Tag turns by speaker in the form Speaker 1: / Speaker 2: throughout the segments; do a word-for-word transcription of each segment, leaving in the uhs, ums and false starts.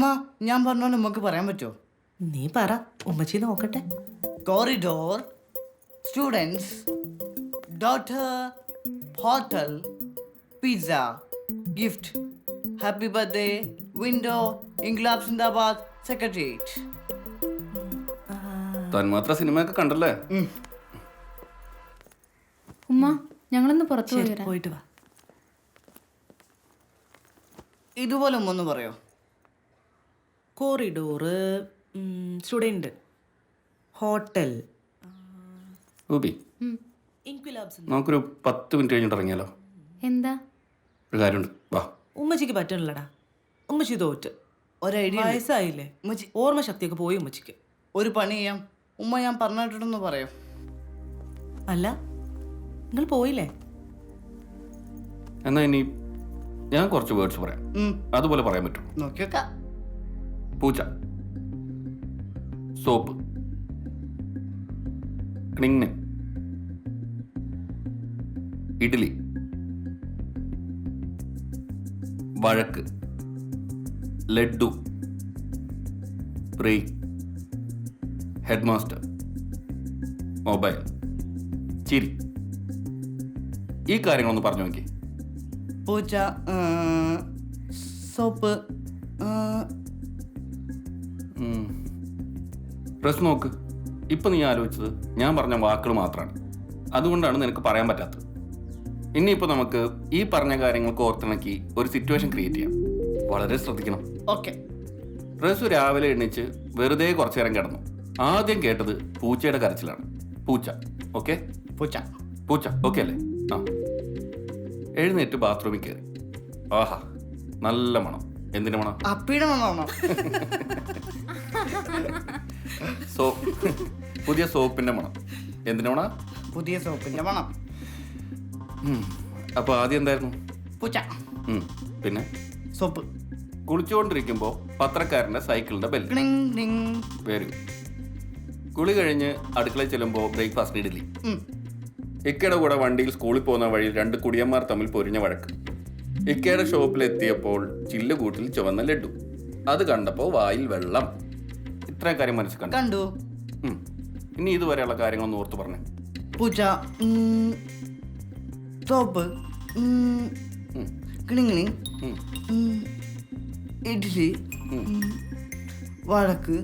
Speaker 1: ഉമ്മ ഞാൻ പറഞ്ഞോണ്ട് ഉമ്മക്ക് പറയാൻ പറ്റുമോ?
Speaker 2: നീ പറ, ഉമ്മച്ചി നോക്കട്ടെ.
Speaker 1: Corridor, students, daughter, hotel, pizza, gift, happy birthday, window, ഇൻക്ലാബ് സിന്ദാബാദ്, സെക്രട്ടേറിയറ്റ്.
Speaker 3: തന്മാത്ര സിനിമയൊക്കെ കണ്ടല്ലേ?
Speaker 4: ഉമ്മ ഞങ്ങളൊന്ന് പുറത്തു പോയി
Speaker 2: ശരി,
Speaker 4: വരാം.
Speaker 2: പോയിട്ട് വാ.
Speaker 1: ഇതുപോലെ ഉമ്മ ഒന്ന് പറയോ?
Speaker 2: കോറിഡോറ്, സ്റ്റുഡൻറ്, ഹോട്ടൽ,
Speaker 3: ഗോപി,
Speaker 2: ഇൻക്വിലാബ്സ്.
Speaker 3: നമുക്കൊരു പത്ത് മിനിറ്റ് കഴിഞ്ഞിട്ട് ഇറങ്ങിയാലോ?
Speaker 4: എന്താ?
Speaker 3: ഒരു കാര്യമുണ്ട്, വാ.
Speaker 2: ഉമ്മച്ചിക്ക് പറ്റണില്ലടാ, ഉമ്മച്ചി തോറ്റ്.
Speaker 1: ഒരു ഐഡിയ
Speaker 2: വയസ്സായില്ലേ,
Speaker 1: ഉമ്മച്ചി.
Speaker 2: ഓർമ്മ ശക്തിയൊക്കെ പോയി ഉമ്മച്ചിക്ക്.
Speaker 1: ഒരു പണി ചെയ്യാം, ഉമ്മ ഞാൻ പറഞ്ഞിട്ടുണ്ടെന്ന് പറയോ?
Speaker 2: അല്ല, നിങ്ങൾ പോയില്ലേ?
Speaker 3: എന്നാ ഇനി ഞാൻ കുറച്ച് വേർഡ്സ് പറയാം, അതുപോലെ പറയാൻ പറ്റും.
Speaker 1: നോക്കി വെക്കാം.
Speaker 3: പൂച്ച, സോപ്പ്, ക്ലിങ്, ഇഡ്ഡലി, വഴക്ക്, laddu, break, head master, mobile, ചിരി. ഈ കാര്യങ്ങളൊന്ന് പറഞ്ഞു നോക്കി.
Speaker 1: പൂച്ച, സോപ്പ്,
Speaker 3: ഡ്രസ് നോക്ക്. ഇപ്പം നീ ആലോചിച്ചത് ഞാൻ പറഞ്ഞ വാക്കുകൾ മാത്രമാണ്, അതുകൊണ്ടാണ് നിനക്ക് പറയാൻ പറ്റാത്തത്. ഇനിയിപ്പോൾ നമുക്ക് ഈ പറഞ്ഞ കാര്യങ്ങൾക്ക് ഓർത്തിണക്കി ഒരു സിറ്റുവേഷൻ ക്രിയേറ്റ് ചെയ്യാം. വളരെ ശ്രദ്ധിക്കണം.
Speaker 1: ഓക്കെ.
Speaker 3: ഡ്രസ് രാവിലെ എണ്ണിച്ച് വെറുതെ കുറച്ചു നേരം കിടന്നു. ആദ്യം കേട്ടത് പൂച്ചയുടെ കരച്ചിലാണ്. പൂച്ച, ഓക്കെ?
Speaker 1: പൂച്ച
Speaker 3: പൂച്ച ഓക്കെ അല്ലേ? ആ. എഴുന്നേറ്റ് ബാത്റൂമിൽ കയറി. ആഹാ, നല്ല മണം. എന്തിനു മണം?
Speaker 1: അപ്പിയുടെ മണമാണോ?
Speaker 3: സോ പുതിയ സോപ്പിന്റെ മണം. എന്തിനു മണം?
Speaker 1: പുതിയ സോപ്പിന്റെ മണം.
Speaker 3: അപ്പൊ ആദ്യം എന്തായിരുന്നു?
Speaker 1: പൂച്ച.
Speaker 3: പിന്നെ
Speaker 1: സോപ്പ്.
Speaker 3: കുളിച്ചുകൊണ്ടിരിക്കുമ്പോ പത്രക്കാരന്റെ സൈക്കിളിന്റെ ബെൽ. Very good. കുളി കഴിഞ്ഞ് അടുക്കളയിൽ ചെല്ലുമ്പോൾ ബ്രേക്ക്ഫാസ്റ്റ് ഇഡ്ഡലി. ഇക്കയുടെ കൂടെ വണ്ടിയിൽ സ്കൂളിൽ പോകുന്ന വഴിയിൽ രണ്ട് കുടിയന്മാർ തമ്മിൽ പൊരിഞ്ഞ വഴക്ക്. ഇക്കയുടെ ഷോപ്പിലെത്തിയപ്പോൾ ചില്ലുകൂട്ടിൽ ചുവന്ന ലഡ്ഡു. അത് കണ്ടപ്പോൾ വായിൽ വെള്ളം. ഇത്രയും കാര്യം മനസ്സിൽ കണ്ടു.
Speaker 1: കണ്ടു.
Speaker 3: ഇനി ഇതുവരെയുള്ള കാര്യങ്ങളൊന്ന് ഓർത്തു പറഞ്ഞു.
Speaker 1: പൂച്ച, സോപ്പ്, കിണിങ്ങിണി, ഇഡ്ഡലി, വഴക്ക്,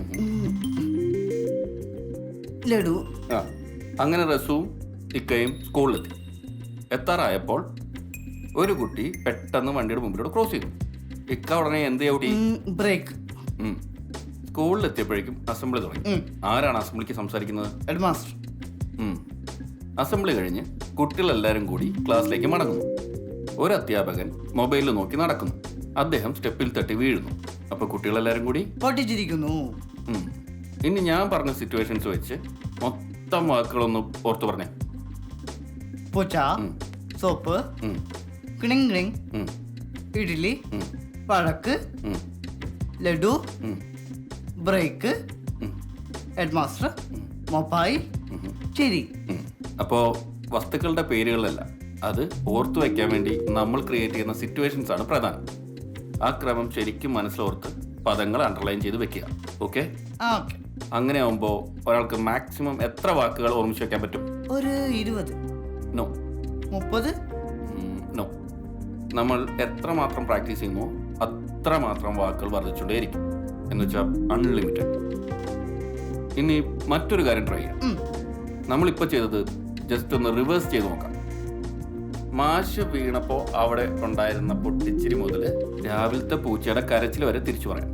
Speaker 1: ലഡു.
Speaker 3: ആ, അങ്ങനെ റസുവും ഇക്കയും സ്കൂളിലെത്തി. എത്താറായപ്പോൾ ഒരു കുട്ടി പെട്ടെന്ന് വണ്ടിയുടെ മുമ്പിലൂടെ ക്രോസ് ചെയ്തു. ഇക്ക ഉടനെ എന്ത് ചവിട്ടി?
Speaker 1: ബ്രേക്ക്.
Speaker 3: സ്കൂളിലെത്തിയപ്പോഴേക്കും അസംബ്ലി തുടങ്ങി. ആരാണ് അസംബ്ലിക്ക് സംസാരിക്കുന്നത്?
Speaker 1: Head master.
Speaker 3: അസംബ്ലി കഴിഞ്ഞ് കുട്ടികളെല്ലാവരും കൂടി ക്ലാസ്സിലേക്ക് മടങ്ങുന്നു. ഒരു അധ്യാപകൻ മൊബൈലിൽ നോക്കി നടക്കുന്നു. അദ്ദേഹം സ്റ്റെപ്പിൽ തട്ടി വീഴുന്നു. അപ്പൊ കുട്ടികളെല്ലാവരും കൂടി
Speaker 1: പൊട്ടിച്ചിരിക്കുന്നു.
Speaker 3: ഇനി ഞാൻ പറഞ്ഞ സിറ്റുവേഷൻസ് വെച്ച് മൊത്തം വാക്കുകളൊന്ന് ഓർത്തു പറഞ്ഞേ.
Speaker 1: പൂച്ച, സോപ്പ്, കിണിങ്, ഇഡ്ഡലി, വഴക്ക്, laddu, break, head master, mobile, ചിരി.
Speaker 3: അപ്പോ വസ്തുക്കളുടെ പേരുകളല്ല, അത് ഓർത്തു വയ്ക്കാൻ വേണ്ടി നമ്മൾ ക്രിയേറ്റ് ചെയ്യുന്ന സിറ്റുവേഷൻസ് ആണ് പ്രധാനം. ആ ക്രമം ശരിക്കും മനസ്സിലോർത്ത് പദങ്ങൾ അണ്ടർലൈൻ ചെയ്ത് വെക്കുക. ഓക്കെ? അങ്ങനെ ആവുമ്പോൾ ഒരാൾക്ക് മാക്സിമം എത്ര വാക്കുകൾ ഓർമ്മിച്ച് വെക്കാൻ പറ്റും?
Speaker 1: ഒരു ഇരുപത്.
Speaker 3: നോ.
Speaker 1: മുപ്പത്?
Speaker 3: നോ. നമ്മൾ എത്രമാത്രം പ്രാക്ടീസ് ചെയ്യുന്നു അത്രമാത്രം വാക്കുകൾ വർദ്ധിച്ചുകൊണ്ടേയിരിക്കും. എന്ന് വെച്ചാൽ അൺലിമിറ്റഡ്. ഇനി മറ്റൊരു കാര്യം ട്രൈ ചെയ്യാം. നമ്മളിപ്പോൾ ചെയ്തത് ജസ്റ്റ് ഒന്ന് റിവേഴ്സ് ചെയ്ത് നോക്കാം. മാഷ് വീണപ്പോ അവിടെ ഉണ്ടായിരുന്ന പൊട്ടിച്ചിരി മുതൽ രാവിലത്തെ പൂച്ചയുടെ കരച്ചിൽ വരെ തിരിച്ചു പറയാം.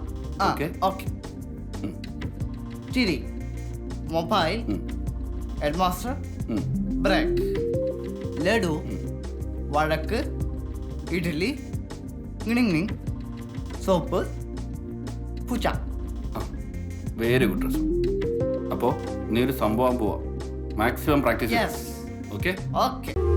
Speaker 1: ചിരി, mobile, head master, break, laddu, വഴക്ക്, ഇഡ്ഡലി, കിണിങ്, സോപ്പ്, പൂച്ച.
Speaker 3: Very good dress. അപ്പോൾ നീ ഒരു സംഭവം പോവാം. Maximum practice.
Speaker 1: Yes.
Speaker 3: Okay?
Speaker 1: Okay.